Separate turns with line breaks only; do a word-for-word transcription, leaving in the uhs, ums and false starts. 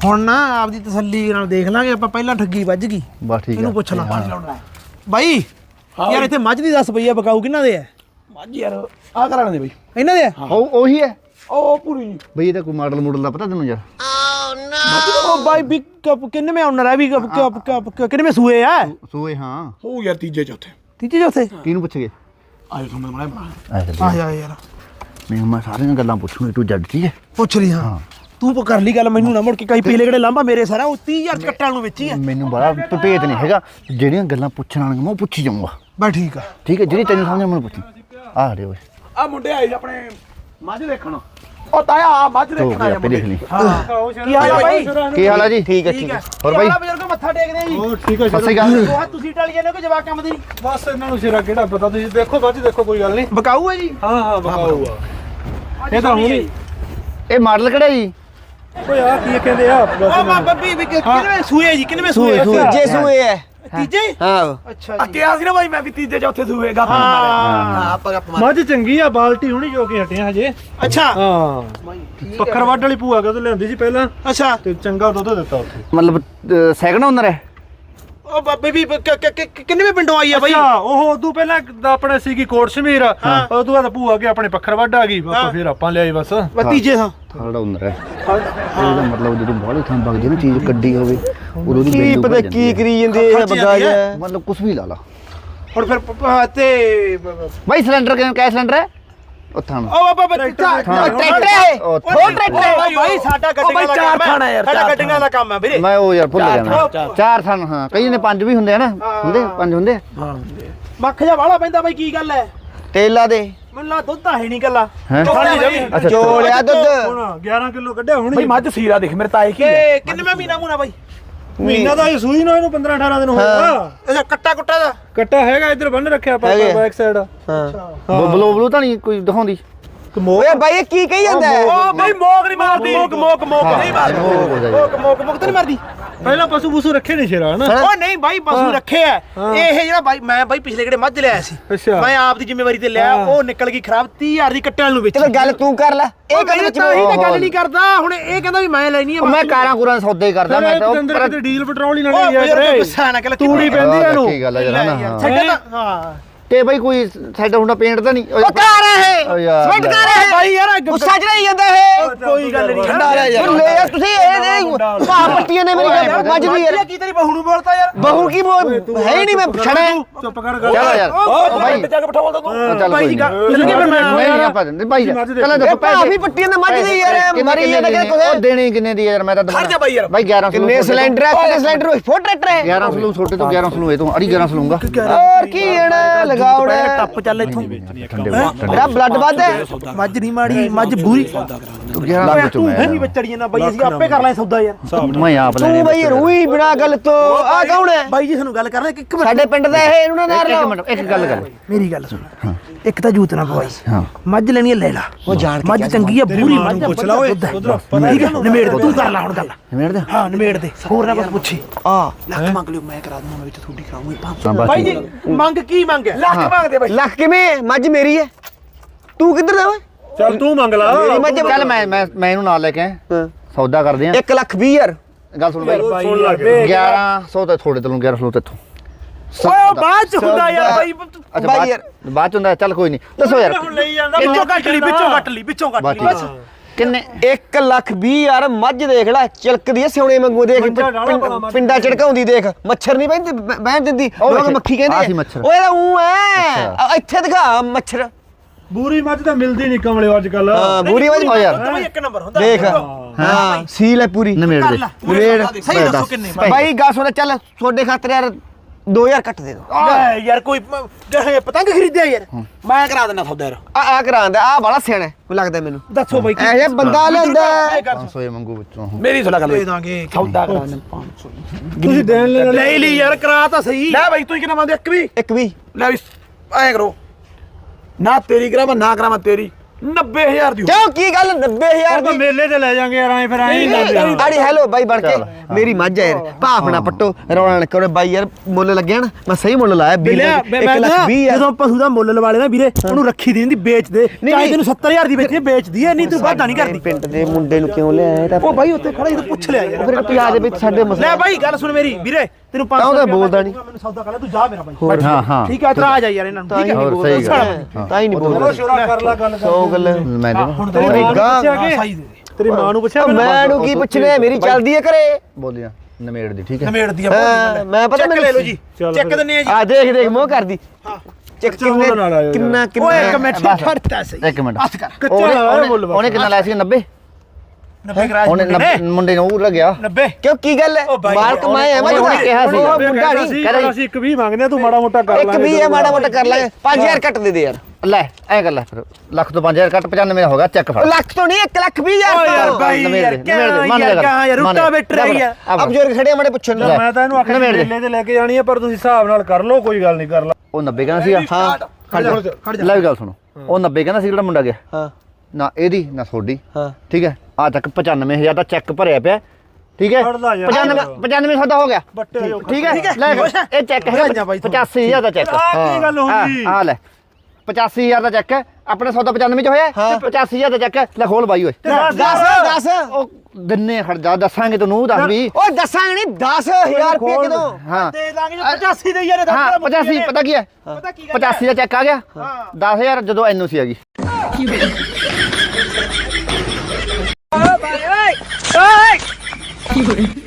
ਹੁਣ ਨਾ ਆਪਦੀ ਤਸੱਲੀ ਨਾਲ ਦੇਖ ਲਾਂਗੇ ਆਪਾਂ ਪਹਿਲਾਂ ਠੱਗੀ ਵੱਜ ਗਈ
ਬਸ ਠੀਕ
ਇਹਨੂੰ ਪੁੱਛ ਲਾ ਬਾਈ ਯਾਰ ਇੱਥੇ ਮੱਝ ਦੀ ਦੱਸ ਪਈ ਆ ਬਕਾਊ ਕਿਹਨਾਂ ਦੇ ਆ
ਮੱਝ ਯਾਰ ਆ ਕਰਾਣੇ ਦੇ ਬਈ
ਇਹਨਾਂ ਦੇ ਆ
ਉਹ ਉਹੀ ਹੈ
ਉਹ ਪੂਰੀ ਨਹੀਂ
ਬਈ ਇਹਦਾ ਕੋਈ ਮਾਡਲ ਮੂਡਲ ਦਾ ਪਤਾ ਤੈਨੂੰ ਯਾਰ
ਉਹ ਬਾਈ ਵੀ ਕਿੰਨੇ ਮੈਂ ਆਉਣਾ ਹੈ ਵੀ ਕਿੰਨੇ ਮੈਂ ਸੂਏ ਆ
ਸੂਏ ਹਾਂ
ਹੋ ਯਾਰ ਤੀਜੇ ਚੌਥੇ
ਤੀਜੇ ਚੌਥੇ
ਕਿਹਨੂੰ ਪੁੱਛਗੇ
ਆਜੋ ਤੁਹਾਨੂੰ ਮੈਂ ਬਣਾ
ਆ ਜਾ ਯਾਰ
ਮੈਂ ਮੈਂ ਸਾਰੀਆਂ ਗੱਲਾਂ ਪੁੱਛੂਗੀ ਤੂੰ ਜੱਜ ਠੀਕ ਹੈ
ਪੁੱਛ ਲਈ ਹਾਂ ਤੂੰ ਕਰ ਲਈ ਗੱਲ ਮੈਨੂੰ ਨਾ ਮੁੜ ਕੇ ਕਈ ਪੀਲੇ ਕਿਹੜੇ ਲਾਂਭਾ ਮੇਰੇ ਸਾਰਾ ਉਹ ਤੀਹ ਹਜ਼ਾਰ ਕੱਟਾਂ ਨੂੰ ਵਿੱਚ ਹੀ ਆ
ਮੈਨੂੰ ਬੜਾ ਭੇਤ ਨਹੀਂ ਹੈਗਾ ਜਿਹੜੀਆਂ ਗੱਲਾਂ ਪੁੱਛਣ ਵਾਲੀਆਂ ਮੈਂ ਉਹ ਪੁੱਛੀ ਜਾਊਂਗਾ
ਬਸ ਠੀਕ ਆ
ਠੀਕ ਹੈ ਜਿਹੜੀ ਤੈਨੂੰ ਸਮਝ ਮੈਨੂੰ ਪੁੱਛੀ ਆ ਰੇ ਓਏ
ਆ ਮੁੰਡੇ ਆਏ ਆਪਣੇ ਮੱਝ ਦੇਖਣ ਉਹ ਤਾਇਆ ਆ ਮੱਝ ਦੇਖਣ ਆਇਆ
ਆਪੇ ਦੇਖ ਲਈ
ਕੀ ਹਾਲ ਆ ਬਾਈ
ਕੀ ਹਾਲ ਆ ਜੀ ਠੀਕ ਹੈ ਠੀਕ ਹੈ ਹੋਰ ਬਾਈ
ਬਜ਼ੁਰਗੋ ਮੱਥਾ ਟੇਕਦੇ ਆ ਜੀ
ਉਹ ਠੀਕ ਹੈ
ਸੱਸੀ ਗੱਲ
ਉਹ ਤੁਸੀਂ ਟਾਲੀ ਜਾਂਦੇ ਕੋਈ ਜਵਾਕ ਕੰਮ ਦੀ
ਬਸ ਇਹਨਾਂ ਨੂੰ ਸਿਰਾ ਕਿਹੜਾ ਪਤਾ ਤੁਸੀਂ ਦੇਖੋ ਮੱਝ ਦੇਖੋ ਕੋਈ ਗੱਲ ਨਹੀਂ
ਬਕਾਊ ਹੈ ਜੀ
ਹਾਂ ਹਾਂ ਬਕਾਊ ਆ ਇਹ ਤਾਂ ਹੁਣੀ
ਇਹ ਮਾਡਲ ਕਿਹੜਾ ਜੀ
ਓਏ ਆ ਕੀ ਕਹਿੰਦੇ ਆ
ਉਹ ਮਾਂ ਬੱਬੀ ਵੀ ਕਿੰਨੇ ਸੂਏ ਜੀ ਕਿੰਨੇ ਸੂਏ
ਤੀਜੇ ਸੂਏ ਹੈ
ਤੀਜੇ
ਹਾਂ
ਅੱਛਾ
ਆ ਕਿਹਾ ਸੀ ਨਾ ਬਾਈ ਮੈਂ ਵੀ ਤੀਜੇ ਚੌਥੇ ਸੂਏ ਗਾ
ਹਾਂ
ਆਪਾਂ ਗੱਪ
ਮੱਝ ਚੰਗੀ ਆ ਬਾਲਟੀ ਹੁਣੀ ਜੋ ਕੇ ਹਟਿਆ ਹਜੇ
ਅੱਛਾ
ਹਾਂ ਪੱਖਰ ਵੱਢ ਵਾਲੀ ਭੂਆ ਕਦੋਂ ਲਿਆਂਦੀ ਸੀ ਪਹਿਲਾਂ
ਅੱਛਾ
ਤੇ ਚੰਗਾ ਦੁੱਧ ਦਿੱਤਾ ਉੱਥੇ
ਮਤਲਬ ਸੈਕਿੰਡ ਓਨਰ ਹੈ
ਉਹ ਬਾਬੇ ਵੀ ਕਿੰਨੇ ਪਿੰਡੋਂ ਆਈ ਆ ਬਾਈ
ਅੱਛਾ ਉਹ ਉਦੋਂ ਪਹਿਲਾਂ ਆਪਣੇ ਸੀਗੀ ਕੋਟ ਸ਼ਮੀਰ ਉਦੋਂ ਬਾਅਦ ਭੂਆ ਕੇ ਆਪਣੇ ਪੱਖਰ ਵੱਢ ਆ ਗਈ ਆਪਾਂ ਫਿਰ ਆਪਾਂ ਲਿਆਈ ਬਸ
ਤੀਜੇ ਹਾਂ
ਥਰਡ ਓਨਰ ਹੈ ਇਹਦਾ ਮਤਲਬ ਜਦੋਂ ਬਾਹਲੀ ਥਾਂ ਵਗ ਜੇ ਨਾ ਚੀਜ਼ ਕੱਢੀ ਹੋਵੇ ਉਦੋਂ ਦੀ
ਕੀ ਪਤਾ ਕੀ ਕਰੀ ਜਾਂਦੇ ਇਹ ਬੱਗਾ ਜਿਹਾ
ਮਤਲਬ ਕੁਝ ਵੀ ਲਾ ਲਾ
ਹੁਣ ਫਿਰ ਤੇ
ਬਾਈ ਸਿਲੰਡਰ ਕਿਵੇਂ ਕੈ ਸਿਲੰਡਰ ਹੈ ਉਹ ਥਾਂ
ਉਹ ਬਾਬਾ ਟਰੈਕਟਰ ਹੈ
ਉਹ
ਟਰੈਕਟਰ ਬਾਈ ਸਾਡਾ ਗੱਡੀਆਂ ਦਾ
ਚਾਰ ਥਾਣਾ ਯਾਰ
ਸਾਡਾ ਗੱਡੀਆਂ ਦਾ ਕੰਮ ਹੈ ਵੀਰੇ
ਮੈਂ ਉਹ ਯਾਰ ਭੁੱਲ ਗਿਆ ਮੈਂ ਚਾਰ ਥਾਂ ਹਾਂ ਕਈ ਨੇ ਪੰਜ ਵੀ ਹੁੰਦੇ ਆ ਨਾ ਹੁੰਦੇ ਪੰਜ ਹੁੰਦੇ
ਹਾਂ
ਮੱਖ ਜਾ ਵਾਲਾ ਪੈਂਦਾ ਬਾਈ ਕੀ ਗੱਲ ਹੈ
ਤੇਲਾ ਦੇ
ਮੈਨੂੰ ਲਾ ਦੁੱਧ ਤਾਂ ਹੈ ਨਹੀਂ ਗੱਲਾ
ਅੱਛਾ
ਚੋਲਿਆ ਦੁੱਧ
ਹੁਣ ਗਿਆਰਾਂ ਕਿਲੋ ਕੱਢਿਆ ਹੁਣ ਬਈ ਮੱਝ ਸੀਰਾ ਦੇਖ ਮੇਰੇ ਤਾਏ ਕੀ
ਇਹ ਕਿੰਨੇ ਮਹੀਨਾ ਮੂਨਾ ਬਾਈ
ਮਹੀਨਾ ਦਾ ਹੀ ਸੂਈ ਨੂੰ ਇਹਨੂੰ ਪੰਦਰਾਂ ਅਠਾਰਾਂ ਦਿਨ ਹੋਇਆ
ਅੱਛਾ ਕੱਟਾ ਕੁੱਟਾ ਦਾ
ਕੱਟਾ ਹੈਗਾ ਇੱਧਰ ਬੰਨ ਰੱਖਿਆ ਪਾਪਾ ਬੈਕ ਸਾਈਡ
ਹਾਂ
ਬਲੋ ਬਲੋ ਤਾਂ ਨਹੀਂ ਕੋਈ ਦਿਖਾਉਂਦੀ
ਓਏ ਬਾਈ ਇਹ ਕੀ ਕਹੀ ਜਾਂਦਾ ਹੈ
ਉਹ ਬਾਈ ਮੋਕ ਨਹੀਂ ਮਾਰਦੀ ਮੋਕ ਮੋਕ ਮੋਕ ਨਹੀਂ ਮਾਰਦੀ ਮੋਕ ਮੋਕ ਮੋਕ ਤਾਂ ਨਹੀਂ ਮਾਰਦੀ
ਪਹਿਲਾਂ ਪਸ਼ੂ ਪਸ਼ੂ ਰੱਖੇ ਨਹੀਂ ਸ਼ੇਰਾ ਹਨਾ
ਉਹ ਨਹੀਂ ਬਾਈ ਪਸ਼ੂ ਰੱਖੇ ਆ ਇਹ ਜਿਹੜਾ ਬਾਈ ਮੈਂ ਬਾਈ ਪਿਛਲੇ ਕਿਹੜੇ ਮੱਝ ਲਿਆਇਆ ਸੀ
ਅੱਛਾ
ਮੈਂ ਆਪ ਦੀ ਜ਼ਿੰਮੇਵਾਰੀ ਤੇ ਲਿਆ ਉਹ ਨਿਕਲ ਗਈ ਖਰਾਬ ਤੀਹ ਹਜ਼ਾਰ ਦੀ ਕੱਟਣ ਨੂੰ ਵਿੱਚ
ਤੇ ਗੱਲ ਤੂੰ ਕਰ ਲੈ
ਇਹ
ਇਹ
ਕਹਿੰਦਾ
ਕਦੇ
ਤਾਂ ਹੀ ਤਾਂ ਗੱਲ ਨਹੀਂ ਕਰਦਾ ਹੁਣ ਇਹ ਕਹਿੰਦਾ ਵੀ ਮੈਂ ਲੈਣੀ ਆ
ਮੈਂ ਕਾਰਾਂ ਕੂਰਾਂ ਸੌਦੇ ਕਰਦਾ ਮੈਂ ਤਾਂ
ਅੰਦਰ ਕਿਤੇ ਡੀਲ ਪੈਟਰੋਲ ਹੀ ਨਾ
ਉਹ
ਲਈ
ਯਾਰ ਗੁੱਸਾ ਨਾ ਕਰ
ਤੂੜੀ ਪੈਂਦੀ ਆ ਇਹਨੂੰ
ਕੀ ਗੱਲ ਆ ਯਾਰ ਹਨਾ
ਛੱਡ ਤਾਂ ਹਾਂ
ਤੇ ਬਾਈ ਕੋਈ ਸਾਡਾ ਹੁੰਦਾ ਪੇਂਟ ਤਾਂ ਨਹੀਂ
ਉਹ ਕਰ
ਓ
ਇਹ
ਯਾਰ
ਸਵੈਟ ਕਰ ਇਹ
ਬਾਈ ਯਾਰ
ਗੁੱਸਾ ਚੜਾਈ ਜਾਂਦਾ ਇਹ
ਕੋਈ ਗੱਲ ਨਹੀਂ
ਠੰਡਾ ਲੈ ਯਾਰ ਲੈ ਯਾਰ ਤੁਸੀਂ ਇਹ ਭਾਅ ਪੱਟੀਆਂ ਨੇ ਮੇਰੀ ਗੱਲ ਮੱਝ ਦੀ ਯਾਰ
ਕੀ ਤੇਰੀ ਬਹੂ ਨੂੰ ਬੋਲਤਾ ਯਾਰ
ਬਹੂ ਕੀ ਬੋਲ ਹੈ ਹੀ ਨਹੀਂ ਮੈਂ ਛੜਾ
ਚੁੱਪ ਕਰ ਗੱਲ
ਚਲੋ ਯਾਰ
ਉਹ
ਬਾਈ
ਜਾ ਕੇ ਬਿਠਾ ਬੋਲਦਾ ਤੂੰ
ਚੱਲ
ਬਾਈ
ਕੋਈ
ਜੀ ਗੱਲ
ਨਹੀਂ
ਲੱਗੇ ਫਿਰ ਮੈਂ
ਨਹੀਂ ਆਪਾਂ ਦਿੰਦੇ ਬਾਈ ਚੱਲ
ਇਹ ਭਾਅ ਵੀ ਪੱਟੀਆਂ ਦੇ ਮੱਝ ਦੀ ਯਾਰ ਮਰੀ ਜਾਂਦਾ ਕਿ
ਉਹ ਦੇਣੀ ਕਿੰਨੇ ਦੀ ਯਾਰ ਮੈਂ ਤਾਂ
ਖੜ ਜਾ ਬਾਈ ਯਾਰ
ਬਾਈ ਗਿਆਰਾਂ ਸੌ
ਕਿੰਨੇ ਸਿਲੰਡਰ ਹੈ ਕਿੰਨੇ ਸਿਲੰਡਰ ਹੋਈ ਫੋਰ ਟਰੈਕਟਰ ਹੈ
ਗਿਆਰਾਂ ਸੌ ਲਊ ਛੋਟੇ ਤੋਂ ਗਿਆਰਾਂ ਸੌ ਲਊ ਇਹ ਤੋਂ ਅੜੀ ਗਿਆਰਾਂ ਸੌ ਲਊਂਗਾ
ਹੋਰ ਕੀ ਇਹਣਾ ਲਗਾਉਣਾ
ਟੱਪ ਚੱਲ ਇੱਥੋਂ
ਮੇਰਾ ਬਲੱਡ ਵੱਧ ਹੈ
ਮੱਝ ਨਹੀਂ ਮਾੜੀ ਮੱਝ ਬੂਰੀ
ਤੂੰ ਗਿਆਰਾਂ ਸੌ ਚੋਂ
ਤੂੰ
ਮੈਂ
ਵੀ ਵਿਚੜੀਆਂ ਨਾ ਬਾਈ ਅਸੀਂ ਆਪੇ ਕਰ ਲੈ ਸੌਦਾ ਯਾਰ
ਮੈਂ ਆਪ ਲੈਣੇ
ਤੂੰ ਬਈ ਰੂਹੀ ਬਿਨਾ ਗੱਲ ਤੋਂ ਆ ਕੌਣ ਹੈ
ਬਾਈ ਜੀ ਸਾਨੂੰ ਗੱਲ ਕਰਨਾ ਇੱਕ ਮਿੰਟ
ਸਾਡੇ ਪਿੰਡ ਦਾ ਇਹ ਇਹਨੂੰ ਨਾ ਨਾਰ
ਇੱਕ
ਲਾਓ
ਮਿੰਟ ਇੱਕ ਗੱਲ ਕਰ
ਮੇਰੀ ਗੱਲ ਸੁਣ ਇੱਕ ਤਾਂ ਜੂਤ ਨਾ ਪਵਾਈ
ਹਾਂ
ਮੱਝ ਲੈਣੀ ਹੈ ਲੈ ਲਾ
ਉਹ ਜਾਣ ਕੇ
ਮੱਝ ਚੰਗੀ ਆ ਬੂਰੀ ਮੱਝ ਪੁੱਛ ਲਾ ਓਏ ਠੀਕ ਹੈ ਨਿਮੇੜ ਦੇ ਤੂੰ ਕਰ ਲੈ ਹੁਣ ਗੱਲ
ਨਿਮੇੜ ਦੇ
ਹਾਂ ਨਿਮੇੜ ਦੇ ਹੋਰ ਨਾ ਕੁਛ ਪੁੱਛੀ
ਆ
ਲੱਖ ਮੰਗ ਲਿਓ ਮੈਂ ਕਰਾ ਦੂੰਗਾ ਵਿੱਚ ਤੁਹਾਡੀ ਕਰਾਉਂਗੀ ਪੰਜ
ਹਾਂ,
ਸੌ
ਬਸ
ਬਾਈ
ਠੀਕ
ਜੀ ਮੰਗ ਕੀ ਮੰਗ ਹੈ ਲੱਖ ਮੰਗਦੇ ਬਾਈ
ਲੱਖ ਕਿਵੇਂ ਮੱਝ ਮੇਰੀ ਹੈ ਤੂੰ ਕਿੱਧਰ ਦਾ ਓਏ
ਚੱਲ ਤੂੰ ਮੰਗ ਲਾ
ਮੇਰੀ ਮੱਝ
ਚੱਲ ਮੈਂ ਮੈਂ ਮੈਂ ਇਹਨੂੰ ਨਾਲ ਲੈ ਕੇ ਆਇਆ
ਹਾਂ
ਸੌਦਾ ਕਰਦੇ ਆ
ਇੱਕ ਲੱਖ ਵੀਹ ਹਜ਼ਾਰ
ਗੱਲ ਸੁਣ ਬਾਈ
ਸੁਣ ਲੱਗ
ਗਿਆਰਾਂ ਸੌ ਤਾਂ ਥੋੜੇ ਤੋਂ ਗਿਆਰਾਂ ਸੌ ਤੇਥੋਂ
ਓਏ ਉਹ ਬਾਅਦ ਚ ਹੁੰਦਾ ਯਾਰ ਬਾਈ
ਅੱਛਾ
ਬਾਈ
ਬਾਅਦ
ਯਾਰ।
ਬਾਅਦ ਚ ਹੁੰਦਾ ਚੱਲ ਕੋਈ ਨਹੀਂ ਦੱਸੋ ਯਾਰ
ਹੁਣ ਲਈ ਜਾਂਦਾ
ਵਿੱਚੋਂ ਕੱਟ ਲਈ ਵਿੱਚੋਂ ਕੱਟ ਲਈ ਵਿੱਚੋਂ ਕੱਟ
ਬਸ
ਲਈ ਬਸ
ਠੀਕ ਕਿੰਨੇ
ਇੱਕ ਲੱਖ ਵੀਹ ਹਜ਼ਾਰ ਮੱਝ ਦੇਖ ਲੈ ਚਿਲਕਦੀ ਐ ਸਿਉਣੇ ਵਾਂਗੂ ਦੇਖ
ਮੰਜਾ ਡਾਲਾ ਭਲਾ ਮੱਝ
ਪਿੰਡਾ ਚੜਕਾਉਂਦੀ ਦੇਖ ਮੱਛਰ ਨਹੀਂ ਬਹਿੰਦੀ ਬਹਿਣ ਦਿੰਦੀ ਲੋਕ ਮੱਖੀ
ਆਹ ਸੀ
ਕਹਿੰਦੇ
ਮੱਛਰ।
ਓਏ ਇਹਦਾ ਊਂ ਐ ਇੱਥੇ ਦਿਖਾ ਮੱਛਰ
ਬੂਰੀ ਮੱਝ ਤਾਂ ਮਿਲਦੀ ਨਹੀਂ ਕਮਲੇ ਅੱਜ ਕੱਲ
ਹਾਂ ਬੂਰੀ ਮੱਝ
ਓ ਯਾਰ
ਬਾਈ ਇੱਕ ਨੰਬਰ ਹੁੰਦਾ
ਦੇਖ ਹਾਂ ਸੀਲ ਹੈ ਪੂਰੀ
ਨਿਮੇੜ ਦੇ
ਨਿਬੇੜ।
ਸਹੀ ਦੱਸੋ ਕਿੰਨੇ
ਬਾਈ ਗੱਲ ਸੁਣ ਚੱਲ ਤੁਹਾਡੇ ਖਾਤਰ ਯਾਰ ਦੋ ਹਜ਼ਾਰ ਕੱਟ ਦੇ ਦੋ
ਓਏ ਯਾਰ ਕੋਈ ਮ- ਪਤੰਗ ਖਰੀਦਿਆ ਯਾਰ ਮੈਂ ਕਰਾ ਦਿੰਦਾ ਸੌਦਾ ਯਾਰ
ਆ ਆ ਕਰਾਂਦਾ ਆ ਬੜਾ ਸਿਆਣਾ ਮੈਨੂੰ ਲੱਗਦਾ ਮੈਨੂੰ
ਦੱਸੋ ਬਾਈ
ਇਹ ਜਿਹਾ ਬੰਦਾ ਲਿਆਂਦਾ
ਪੰਜ ਸੌ ਇਹ ਮੰਗੂ ਵਿੱਚੋਂ
ਮੇਰੀ ਸੁਣਾ ਗੱਲ
ਦੇ ਦਾਂਗੇ
ਸੌਦਾ ਕਰਾਣੇ ਪੰਜ ਸੌ ਤੁਸੀਂ ਦੇਣ ਲੈਣ
ਲੈ ਲਈ ਯਾਰ ਕਰਾ ਤਾਂ ਸਹੀ
ਲੈ ਬਾਈ ਤੂੰ ਕਿੰਨਾ ਮੰਗਦੇ ਇੱਕ ਵੀ
ਇੱਕ ਵੀ
ਲੈ ਵੀ ਐ ਕਰੋ ਨਾ ਤੇਰੀ ਕਰਾਵਾਂ ਨਾ ਕਰਾਵਾਂ ਤੇਰੀ
ਨੱਬੇ ਹਜ਼ਾਰ ਦੀ
ਕਿਉਂ ਕੀ ਗੱਲ ਨੱਬੇ ਹਜ਼ਾਰ
ਆਪਾਂ
ਦੀ
ਮੇਲੇ ਤੇ ਲੈ ਜਾਾਂਗੇ ਯਾਰ ਐਂ ਫਿਰ ਐਂ ਹੀ ਕਰਦੇ ਆ।
ਆੜੀ ਹੈਲੋ ਬਾਈ ਬਣ ਕੇ ਮੇਰੀ ਮੱਝ ਹੈ ਯਾਰ ਭਾਫ ਨਾ ਪੱਟੋ ਰੌਲਾ ਨਾ ਕਰੋ ਬਾਈ ਯਾਰ ਮੁੱਲ ਲੱਗਿਆ ਨਾ ਮੈਂ ਸਹੀ ਮੁੱਲ ਲਾਇਆ ਵੀਹ
ਬਿਲਿਆ
ਲੱਖ-
ਮੈਂ
ਇੱਕ ਲੱਖ
ਨਾ
ਵੀਹ ਹਜ਼ਾਰ।
ਜਦੋਂ ਪਸ਼ੂ ਦਾ ਮੁੱਲ ਲਵਾ ਲੈਣਾ ਵੀਰੇ ਉਹਨੂੰ ਰੱਖੀ ਦੀ ਹੁੰਦੀ ਵੇਚ ਦੇ ਚਾਹੇ ਤੈਨੂੰ ਸੱਤਰ ਹਜ਼ਾਰ ਦੀ ਵੇਚੀ ਵੇਚਦੀ ਐ ਨਹੀਂ ਤੂੰ ਵਾਧਾ ਨਹੀਂ ਕਰਦੀ
ਪਿੰਡ ਦੇ ਮੁੰਡੇ ਨੂੰ ਕਿਉਂ ਲਿਆਇਆ ਤਾਂ
ਉਹ ਬਾਈ ਉੱਥੇ ਖੜਾ ਹੀ ਤੂੰ ਪੁੱਛ ਲਿਆ ਯਾਰ
ਫਿਰ ਪਿਆਜ ਦੇ ਵਿੱਚ ਸਾਡੇ ਮਸਲੇ
ਲੈ ਬਾਈ ਗੱਲ ਸੁਣ ਮੇਰੀ ਵੀਰੇ ਤੈਨੂੰ ਪੰਜ
ਤਾਂ
ਸੌ
ਉਹਦਾ
ਰੁਪਇਆ
ਬੋਲਦਾ ਨਹੀਂ।
ਮੈਨੂੰ ਸੌਦਾ ਕਰ ਲੈ ਤੂੰ ਜਾ ਮੇਰਾ ਬਾਈ
ਹਾਂ ਹਾਂ
ਠੀਕ ਹੈ ਇਤਰਾ ਆ ਜਾ ਯਾਰ ਇਹਨਾਂ ਨੂੰ
ਤਾਂ ਹੀ
ਠੀਕ ਹੈ
ਨਹੀਂ
ਹੋਰ ਸਹੀ
ਬੋਲਦਾ
ਗੱਲ।
ਤਾਂ ਹੀ ਨਹੀਂ
ਚਲੋ
ਬੋਲਦਾ
ਸ਼ੁਰਾ ਕਰ ਲਾ ਗੱਲ
ਸੌ ਗੱਲ
ਮੈਂ ਦੇ
ਹੁਣ
ਤੇਰੀ
ਤੇਰੀ
ਮਾਂ ਨੂੰ
ਗਾਂ-
ਪੁੱਛਿਆ
ਹਾਂ,
ਕਿ
ਸਹੀ ਦੇ
ਤੇਰੀ ਮਾਂ ਨੂੰ ਪੁੱਛਿਆ
ਮੈਨੂੰ ਕੀ ਪੁੱਛਣਾ ਮੇਰੀ ਚੱਲਦੀ ਹੈ ਘਰੇ
ਬੋਲੀਆਂ ਨਮੇੜ ਦੀ ਠੀਕ ਹੈ
ਨਮੇੜ ਦੀ ਆ
ਹਾਂ, ਮੈਂ ਪਤਾ
ਚੈੱਕ
ਮੈਨੂੰ-
ਲੈ ਲਓ ਜੀ
ਚੱਲ
ਚੈੱਕ
ਫਿਰ।
ਦਿੰਨੇ ਆ ਜੀ
ਆ ਦੇਖ ਦੇਖ ਮੋਹ ਕਰਦੀ
ਹਾਂ
ਚੱਕ
ਚੱਲ ਉਹਦੇ ਨਾਲ ਆਇਓ
ਕਿੰਨਾ
ਯਾਰ।
ਕਿੰਨਾ
ਓਏ ਇੱਕ ਮਿੰਟ
ਬਸ।
ਛੱਡਤਾ ਸਹੀ
ਇੱਕ ਮਿੰਟ
ਹੱਥ ਕਰ
ਕੱਚਾ
ਉਹਨੇ
ਲਾਇਆ
ਉਹਨੇ-
ਮੁੱਲ ਬਸ।
ਉਹਨੇ ਕਿੰਨਾ ਲਾਇਆ ਸੀ ਨੱਬੇ
ਨੱਬੇ ਕਰਾਜ
ਉਹਨੇ ਨੱਬੇ ਮੁੰਡੇ ਨੂੰ ਉਹ ਲੱਗਿਆ
ਨੱਬੇ
ਕਿਉਂ ਕੀ ਗੱਲ ਹੈ
ਉਹ ਬਾਈ
ਮਾਲਕ ਮੈਂ ਐ ਮੈਂ
ਉਹਨੇ ਕਿਹਾ ਸੀ।
ਉਹ
ਨੱਬੇ
ਮੁੰਡਾ
ਕਹਿੰਦਾ
ਨਹੀਂ
ਸੀ,
ਕਹਿੰਦਾ
ਅਸੀਂ ਇੱਕ ਵੀਹ ਮੰਗਦੇ ਆ ਤੂੰ ਮਾੜਾ ਮੋਟਾ ਕਰ
ਇੱਕ
ਲਾਂਗੇ
ਵੀ ਹੈ ਮਾੜਾ ਮੋਟਾ ਕਰ ਲਾਂਗੇ ਪੰਜ ਹਜ਼ਾਰ ਕੱਟ ਦੇ ਦੇ ਯਾਰ
ਲੈ ਐ ਕਰ ਲੈ ਫਿਰ ਲੱਖ ਤੋਂ ਪੰਜ ਹਜ਼ਾਰ ਕੱਟ ਪਚਾਨਵੇਂ ਦਾ ਹੋ ਗਿਆ ਚੈੱਕ
ਉਹ
ਫੜ
ਲੱਖ ਤੋਂ ਨਹੀਂ ਇੱਕ ਲੱਖ ਵੀਹ
ਓ
ਹਜ਼ਾਰ
ਯਾਰ
ਤੋਂ
ਬਾਈ
ਨਵੇੜ
ਯਾਰ
ਦੇ, ਨਵੇੜ ਦੇ,
ਕਿਆ
ਮੰਨ
ਯਾਰ
ਜਾ
ਕਹਾਂ ਯਾਰ ਰੁੱਟਾ ਬੈਟਰ ਹੈ ਯਾਰ
ਅਬ ਬਜ਼ੁਰਗ ਖੜੇ ਆ ਮਾੜੇ ਪੁੱਛਣ ਨੂੰ
ਮੈਂ ਤਾਂ ਇਹਨੂੰ ਆਖਿਆ
ਨਵੇੜ ਦੇ।
ਮੇਲੇ ਤੇ ਲੈ ਕੇ ਜਾਣੀ ਆ ਪਰ ਤੁਸੀਂ ਹਿਸਾਬ ਨਾਲ ਕਰ ਲਓ ਕੋਈ ਗੱਲ ਨਹੀਂ ਕਰ ਲਾ
ਉਹ ਨੱਬੇ ਕਹਿੰਦਾ ਸੀਗਾ
ਹਾਂ
ਖੜ ਜਾ ਖੜ ਜਾ
ਲੈ ਵੀ ਗੱਲ ਸੁਣੋ ਉਹ ਨੱਬੇ ਕਹਿੰਦਾ ਸੀ ਜਿਹੜਾ ਮੁੰਡਾ ਗਿਆ
ਹਾਂ
ਨਾ ਇਹਦੀ ਨਾ ਤੁਹਾਡੀ
ਹਾਂ
ਠੀਕ ਹੈ ਆ ਤੱਕ ਪਚਾਨਵੇਂ ਹਜ਼ਾਰ ਦਾ ਚੈੱਕ ਭਰਿਆ ਪਿਆ ਠੀਕ ਹੈ
ਫੜ ਲਾ ਯਾਰ।
ਪਚਾਨਵੇਂ ਪਚਾਨਵੇਂ ਸੌਦਾ ਹੋ ਗਿਆ
ਬੱਟੇ ਜੋ
ਠੀਕ ਹੈ ਲੈ ਇਹ ਚੈੱਕ ਹੈਗਾ
ਵਧਾਈਆਂ ਬਾਈ ਤੁਹਾਨੂੰ।
ਪਚਾਸੀ ਹਜ਼ਾਰ ਦਾ ਚੈੱਕ
ਆਹ ਕੀ ਗੱਲ ਹੋ ਗਈ?
ਆ ਲੈ ਪਚਾਸੀ ਹਜ਼ਾਰ ਦਾ ਚੈੱਕ ਹੈ ਆਪਣੇ ਸੌਦਾ ਪਚਾਨਵੇਂ ਚ ਹੋਇਆ ਤੇ ਪਚਾਸੀ ਹਜ਼ਾਰ ਦਾ ਚੈੱਕ ਹੈ ਲੈ ਖੋਲ ਬਾਈ ਓਏ
ਦਸ ਦਸ
ਉਹ ਦਿੰਨੇ ਖੜ ਜਾ ਦੱਸਾਂਗੇ ਤੈਨੂੰ ਦੱਸ ਵੀ
ਉਹ ਦੱਸਾਂਗੇ ਨਹੀਂ ਦਸ ਹਜ਼ਾਰ ਰੁਪਏ ਕਿਦੋਂ
ਹਾਂ
ਦੇ ਦਾਂਗੇ ਪਚਾਸੀ ਦੇ ਯਾਰ
ਹਾਂ ਪਚਾਸੀ ਪਤਾ ਕੀ ਹੈ
ਪਤਾ ਕੀ ਗੱਲ
ਪਚਾਸੀ ਦਾ ਚੈੱਕ ਆ ਗਿਆ ਦਸ ਹਜ਼ਾਰ ਜਦੋਂ ਐਨ ਓ ਸੀ ਆ ਗਈ
ਓਏ ਓਏ